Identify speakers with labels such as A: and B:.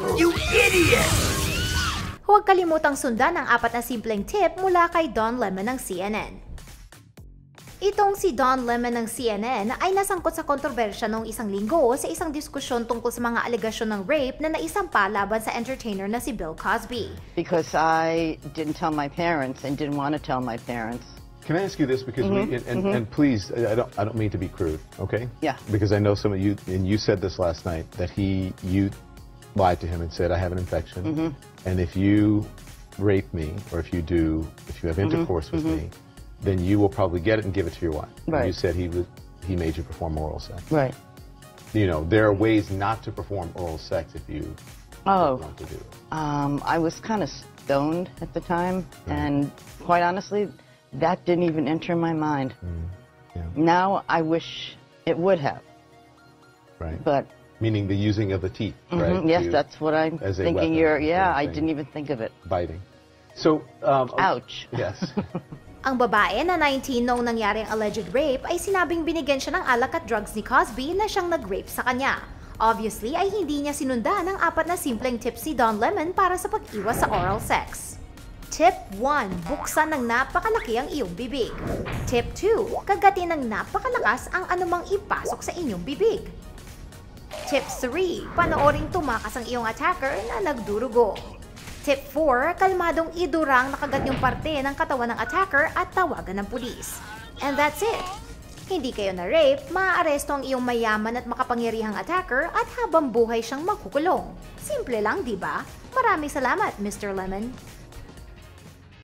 A: You idiot!
B: Huwag kalimutang sundan ang 4 na simpleng tip mula kay Don Lemon ng CNN. Itong si Don Lemon ng CNN ay nasangkot sa kontrobersya noong isang linggo sa isang diskusyon tungkol sa mga alegasyon ng rape na naisampa laban sa entertainer na si Bill Cosby.
C: Because I didn't tell my parents and didn't want to tell my parents.
D: Can I ask you this? Because and please, I don't mean to be crude, okay?
C: Yeah.
D: Because I know some of you, and you said this last night, that you lied to him and said, I have an infection, and if you rape me, or if you have intercourse with me, then you will probably get it and give it to your wife.
C: Right.
D: And you said he made you perform oral sex.
C: Right.
D: You know, there are ways not to perform oral sex if you want to do it.
C: I was kind of stoned at the time, and quite honestly, that didn't even enter my mind.
D: Yeah.
C: Now I wish it would have.
D: Right.
C: But
D: meaning the using of the teeth, right?
C: yes, that's what I'm
D: as a
C: thinking.
D: weapon,
C: I didn't even think of it.
D: Biting. So,
C: Ouch.
D: Yes.
B: Ang babae na 19 noong nangyari ang alleged rape ay sinabing binigyan siya ng alak at drugs ni Cosby na siyang nag-rape sa kanya. Obviously ay hindi niya sinundan ang 4 na simpleng tips si Don Lemon para sa pag-iwas sa oral sex. Tip 1. Buksan ng napakalaki ang iyong bibig. Tip 2. Kagatin ng napakalakas ang anumang ipasok sa inyong bibig. Tip 3. Panooring tumakas ang iyong attacker na nagdurugo. Tip 4. Kalmadong idurang nakagat yung parte ng katawan ng attacker at tawagan ng pulis. And that's it! Hindi kayo na-rape, maaaresto ang iyong mayaman at makapangyarihang attacker at habang buhay siyang makukulong. Simple lang, di ba? Maraming salamat, Mr. Lemon.